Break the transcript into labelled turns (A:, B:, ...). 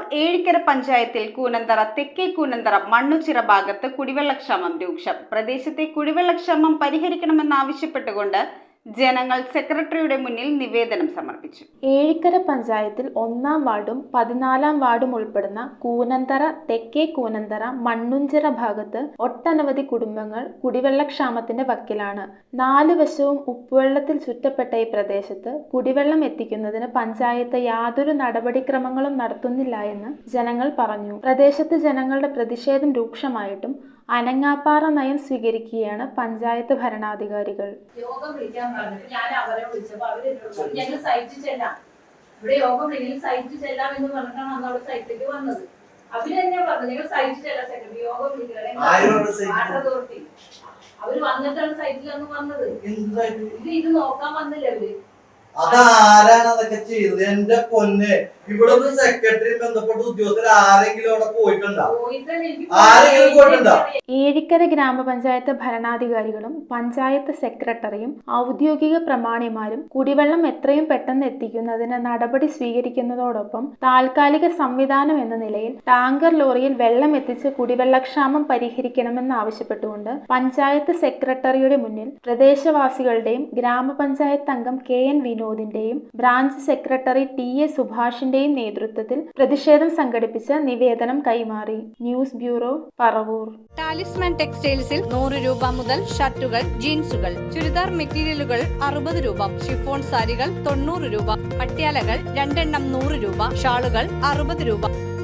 A: ഏഴിക്കര പഞ്ചായത്തിൽ കൂനന്തറ തെക്കേ കൂനന്തറ മണ്ണുച്ചിറ ഭാഗത്ത് കുടിവെള്ളക്ഷാമം രൂക്ഷം. പ്രദേശത്തെ കുടിവെള്ളക്ഷാമം പരിഹരിക്കണമെന്നാവശ്യപ്പെട്ടുകൊണ്ട് ജനങ്ങൾ സെക്രട്ടറിയുടെ മുന്നിൽ നിവേദനം സമർപ്പിച്ചു.
B: ഏഴിക്കര പഞ്ചായത്തിൽ 1-ാം വാർഡും 14-ാം വാർഡും ഉൾപ്പെടുന്ന കൂനന്തറ തെക്കേ കൂനന്തറ മണ്ണുഞ്ചിറ ഭാഗത്ത് ഒട്ടനവധി കുടുംബങ്ങൾ കുടിവെള്ളക്ഷാമത്തിന്റെ വക്കിലാണ്. 4 വശവും ഉപ്പുവെള്ളത്തിൽ ചുറ്റപ്പെട്ട ഈ പ്രദേശത്ത് കുടിവെള്ളം എത്തിക്കുന്നതിന് പഞ്ചായത്ത് യാതൊരു നടപടിക്രമങ്ങളും നടത്തുന്നില്ല എന്ന് ജനങ്ങൾ പറഞ്ഞു. പ്രദേശത്ത് ജനങ്ങളുടെ പ്രതിഷേധം രൂക്ഷമായിട്ടും അനങ്ങാപ്പാറ നയം സ്വീകരിക്കുകയാണ് പഞ്ചായത്ത് ഭരണാധികാരികൾ.
C: യോഗം വിളിക്കാൻ പറഞ്ഞിട്ട് ഞാൻ അവരെ വിളിച്ചപ്പോൾ ഞങ്ങൾ സൈറ്റിൽ ചെല്ലാം, ഇവിടെ യോഗം വിളിക്കും സൈറ്റിൽ ചെല്ലാം എന്ന് പറഞ്ഞിട്ടാണ് അന്ന് അവിടെ സൈറ്റിലേക്ക് വന്നത്. അവര് തന്നെ പറഞ്ഞു നിങ്ങൾ സൈറ്റിൽ ചെല്ലാം, സെക്രട്ടറി യോഗം വിളിക്കണേ വാട്ടർ അതോറിറ്റി. അവര് വന്നിട്ടാണ് സൈറ്റിൽ അന്ന് വന്നത്. ഇത് നോക്കാൻ വന്നില്ല അവര്.
D: അതാരാണ് അതൊക്കെ ചെയ്തത്? എന്റെ പൊന്നെ, ഇവിടെ ഒന്ന് സെക്രട്ടറി ബന്ധപ്പെട്ട ഉദ്യോഗസ്ഥർ ആരെങ്കിലും അവിടെ പോയിട്ടുണ്ടോ? ആരെങ്കിലും പോയിട്ടുണ്ടോ?
B: ഏഴിക്കര ഗ്രാമപഞ്ചായത്ത് ഭരണാധികാരികളും പഞ്ചായത്ത് സെക്രട്ടറിയും ഔദ്യോഗിക പ്രമാണിമാരും കുടിവെള്ളം എത്രയും പെട്ടെന്ന് എത്തിക്കുന്നതിന് നടപടി സ്വീകരിക്കുന്നതോടൊപ്പം താൽക്കാലിക സംവിധാനം എന്ന നിലയിൽ ടാങ്കർ ലോറിയിൽ വെള്ളം എത്തിച്ച് കുടിവെള്ളക്ഷാമം പരിഹരിക്കണമെന്നാവശ്യപ്പെട്ടുകൊണ്ട് പഞ്ചായത്ത് സെക്രട്ടറിയുടെ മുന്നിൽ പ്രദേശവാസികളുടെയും ഗ്രാമപഞ്ചായത്ത് അംഗം KN വിനോദിന്റെയും ബ്രാഞ്ച് സെക്രട്ടറി TA സുഭാഷിന്റെയും നേതൃത്വത്തിൽ പ്രതിഷേധം സംഘടിപ്പിച്ച നിവേദനം കൈമാറി. News bureau, Paravur.
E: ടാലിസ്മാൻ ടെക്സ്റ്റൈൽസിൽ 100 രൂപ മുതൽ ഷർട്ടുകൾ, ജീൻസുകൾ, ചുരിദാർ മെറ്റീരിയലുകൾ 60 രൂപ, ഷിഫോൺ സാരികൾ 90 രൂപ, പട്യാലകൾ 2 എണ്ണം 100 രൂപ, ഷാളുകൾ 60 രൂപ.